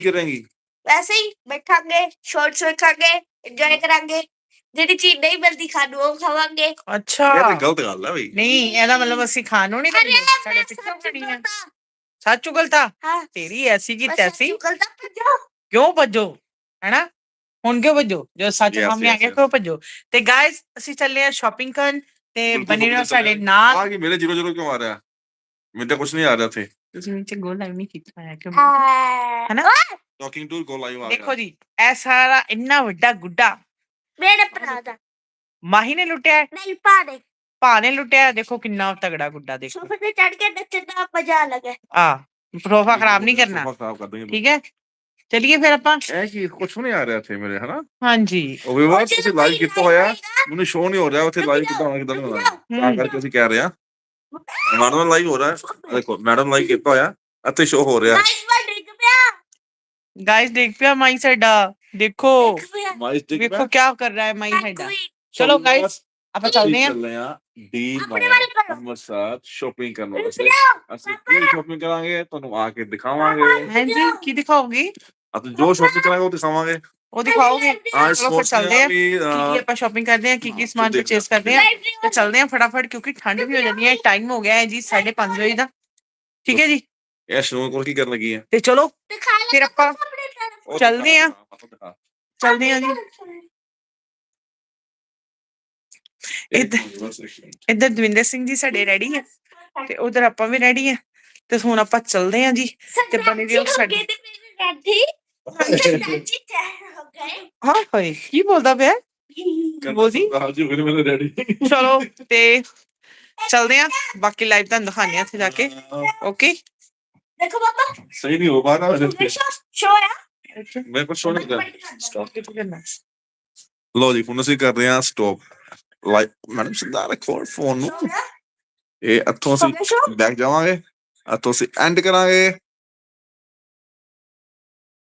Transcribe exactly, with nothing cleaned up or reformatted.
करेंगी वैसे ही बैठांगे, shorts वेखांगे, enjoy करांगे, ਜਿਹੜੀ ਚੀਜ਼ ਨਹੀਂ ਮਿਲਦੀ ਖਾਣ ਨੂੰ ਉਹ ਖਾਵਾਂਗੇ। ਅੱਛਾ ਇਹ ਤੇ ਗਲਤ ਗੱਲ ਹੈ ਬਈ। ਨਹੀਂ ਇਹਦਾ ਮਤਲਬ ਅਸੀਂ ਖਾਣ ਨੂੰ ਨਹੀਂ ਦਿੰਦੇ ਸਾਡੇ ਪਿੱਛੋਂ ਖੜੀ ਆ ਸੱਚ ਉਗਲਤਾ ਹਾਂ ਤੇਰੀ ਐਸੀ ਕੀ ਬਸ ਤੈਸੀ ਚੁਗਲਦਾ ਭੱਜੋ। ਕਿਉਂ ਭੱਜੋ ਹੈਨਾ ਹੁਣ ਕਿਉਂ ਭੱਜੋ ਜਦੋਂ ਸੱਚ Yes, ਸਾਹਮਣੇ ਆ yes, ਗਿਆ yes. ਕਿਉਂ ਭੱਜੋ ਤੇ ਗਾਇਸ ਅਸੀਂ ਚੱਲੇ ਆ ਸ਼ਾਪਿੰਗ ਕਰਨ ਤੇ ਬਣੇ ਰਹੋ ਸਾਡੇ ਨਾਲ ਆ ਕੀ ਮੇਰੇ ਜ਼ੀਰੋ ਜ਼ੀਰੋ ਕਿਉਂ ਆ ਰਿਹਾ ਮੈਨੂੰ ਤਾਂ ਕੁਝ ਨਹੀਂ ਆ ਰਿਹਾ ਇੱਥੇ ਤੁਸੀਂ ਨੀਚੇ ਗੋਲ ਲਾਈਵ ਨਹੀਂ ਕੀਤਾ ਹੈ ਕਿਉਂ ਹਾਂ ਹੈਨਾ ਟਾਕਿੰਗ ਟੂ ਗੋ ਲਾਈਵ ਆ ਦੇਖੋ ਜੀ ਇਹ ਸਾਰਾ ਇੰਨਾ ਵੱਡਾ ਗੁੱਡਾ ਮੇਰੇ ਭਰਾ ਦਾ ਮਾਹੀ ਨੇ ਲੁੱਟਿਆ ਹੈ, ਨਹੀਂ ਪਾੜੇ ਭਾ ਨੇ ਲੁੱਟਿਆ ਹੈ, ਦੇਖੋ ਕਿੰਨਾ ਤਗੜਾ ਗੁੱਡਾ ਦੇਖੋ ਸੋਫੇ ਤੇ ਚੜ ਕੇ ਨੱਚਣ ਦਾ ਮਜ਼ਾ ਅਲੱਗ ਹੈ। ਆ ਸੋਫਾ ਖਰਾਬ ਨਹੀਂ ਕਰਨਾ ਸੋਫਾ ਖਰਾਬ ਕਰ ਦੇਂਗੇ ਠੀਕ ਹੈ ਚਲਿਏ ਫਿਰ ਆਪਾਂ ਇਹ ਕੀ ਕੁਝ ਨਹੀਂ ਆ ਰਿਹਾ ਇੱਥੇ ਮੇਰੇ ਹਨਾ ਹਾਂਜੀ ਉਹ ਵੀ ਬਸ ਤੁਸੀਂ ਲਾਈਵ ਕੀਤਾ ਹੋਇਆ ਮੈਨੂੰ ਸ਼ੋ ਨਹੀਂ ਹੋ ਰਿਹਾ ਉੱਥੇ ਲਾਈਵ ਕਿਦਾਂ ਹੋਣਾ ਕਿਦਾਂ ਨਹੀਂ ਹੋਣਾ ਤਾਂ ਕਰਕੇ ਅਸੀਂ ਕਹਿ ਰਹੇ ਹਾਂ ਮੈਡਮ ਲਾਈਵ ਹੋ ਰਿਹਾ ਹੈ ਦੇਖੋ ਮੈਡਮ ਲਾਈਵ ਕੀਤਾ ਹੋਇਆ ਇੱਥੇ ਸ਼ੋ ਹੋ ਰਿਹਾ ਗਾਇਸ ਮੈਂ ਡਿੱਗ ਪਿਆ ਗਾਇਸ ਦੇਖ ਪਿਆ ਮਾਈ ਸਾਡਾ ਦੇਖੋ ਡਿੱਗ ਪਿਆ ਮਾਈਸ ਟਿਕ ਵੇਖੋ ਕੀ ਕਰ ਰਿਹਾ ਹੈ ਮਾਈ ਸਾਡਾ ਕੋਈ ਚਲੋ ਗਾਇਸ ਆਪਾਂ ਚੱਲਦੇ ਹਾਂ ਚੱਲਦੇ ਆ ਡੀ ਆਪਣੇ ਵੱਲ ਕਰੋ। ਅੰਮ੍ਰਿਤਸਰ ਸ਼ਾਪਿੰਗ ਕਰਨ ਰੁਕ ਵਾਸਤੇ ਜਾਓ। ਅਸੀਂ ਕੀ ਸ਼ਾਪਿੰਗ ਕਰਾਂਗੇ ਤੁਹਾਨੂੰ ਆ ਕੇ ਦਿਖਾਵਾਂਗੇ ਹਾਂਜੀ ਕੀ ਦਿਖਾਓਗੇ ਅਤੇ ਜੋ ਸ਼ਾਪਿੰਗ ਕਰਾਂਗੇ ਉਹ ਦਿਖਾਵਾਂਗੇ ਉਹ ਦਿਖਾਓਗੇ आज चलो फिर चलते हैं ਕੀ ਕੀ हैं ਆਪਾਂ ਸ਼ਾਪਿੰਗ ਕਰਦੇ ਹਾਂ ਕੀ ਕੀ ਹਾਂ, ਸਮਾਨ ਦੇਖਦੇ ਪਰਚੇਸ ਕਰਦੇ ਹਾਂ ਤੇ ਚੱਲਦੇ ਹਾਂ ਫਟਾਫਟ ਕਿਉਂਕਿ ਠੰਡ ਵੀ ਹੋ ਜਾਂਦੀ ਹੈ ਟਾਈਮ ਹੋ ਗਿਆ ਹੈ ਜੀ ਸਾਢੇ ਪੰਜ ਵਜੇ ਦਾ ਠੀਕ ਹੈ ਜੀ ਇਹ ਸ਼ਨੋ ਕੋਲ ਕੀ ਕਰਨ ਲੱਗੀ ਹੈ ਤੇ ਚਲੋ ਦਿਖਾ ਲੈ ਫਿਰ ਆਪਾਂ ਆਪਣੇ ਤਰਫ। ਉਹ ਚੱਲਦੇ ਦਿਖਾ, ਆ। ਦਿਖਾ, ਦਿਖਾ। ਚੱਲਦੇ ਹਾਂ ਜੀ ਇੱਕ ਇੱਧਰ- ਮਿੰਟ ਬਸ ਇੱਕ ਮਿੰਟ। ਇੱਧਰ ਦਵਿੰਦਰ ਸਿੰਘ ਜੀ ਸਾਡੇ ਰੈਡੀ ਹੈ ਤੇ ਉਧਰ ਆਪਾਂ ਵੀ ਰੈਡੀ ਹੈ ਤੇ ਹੁਣ ਆਪਾਂ ਚੱਲਦੇ ਹਾਂ ਜੀ ਤੇ ਬਣੇ ਰਹੋ ਸਾਡੇ ਰੈਡੀ ਸੱਚੀ ਤਿਆਰ ਹੋ ਗਏ ਹਾਂ ਹੋਏ ਕੀ ਬੋਲਦਾ ਪਿਆ ਬੋਲਦੀ ਹਾਂ ਜੀ ਮੇਰੇ ਮੇਰੇ ਡੈਡੀ ਚਲੋ ਤੇ ਚੱਲਦੇ ਹਾਂ ਬਾਕੀ ਲਾਈਵ ਤੁਹਾਨੂੰ ਦਿਖਾਉਂਦੇ ਹਾਂ ਉੱਥੇ ਜਾ ਕੇ ਓਕੇ ਦੇਖੋ ਪਾਪਾ ਸਹੀ ਨਹੀਂ ਹੋ ਪਾ ਰਹਾ ਵੈਸੇ ਸ਼ੋ ਆ ਮੇਰੇ ਕੋਲ ਸ਼ੋ ਨਹੀਂ ਕਰ ਸਟਾਪ ਕਿੱਥੇ ਕਰਨਾ ਲੋ ਜੀ ਹੁਣ ਅਸੀਂ ਕਰ ਰਹੇ ਹਾਂ ਸਟਾਪ ਲਾਈਕ ਮੈਡਮ ਸਿੱਧਾ ਰੱਖੋ ਫੋਨ ਨੂੰ ਇਹ ਇੱਥੋਂ ਅਸੀਂ ਬੈਕ ਜਾਵਾਂਗੇ ਇੱਥੋਂ ਅਸੀਂ ਐਂਡ ਕਰਾਂਗੇ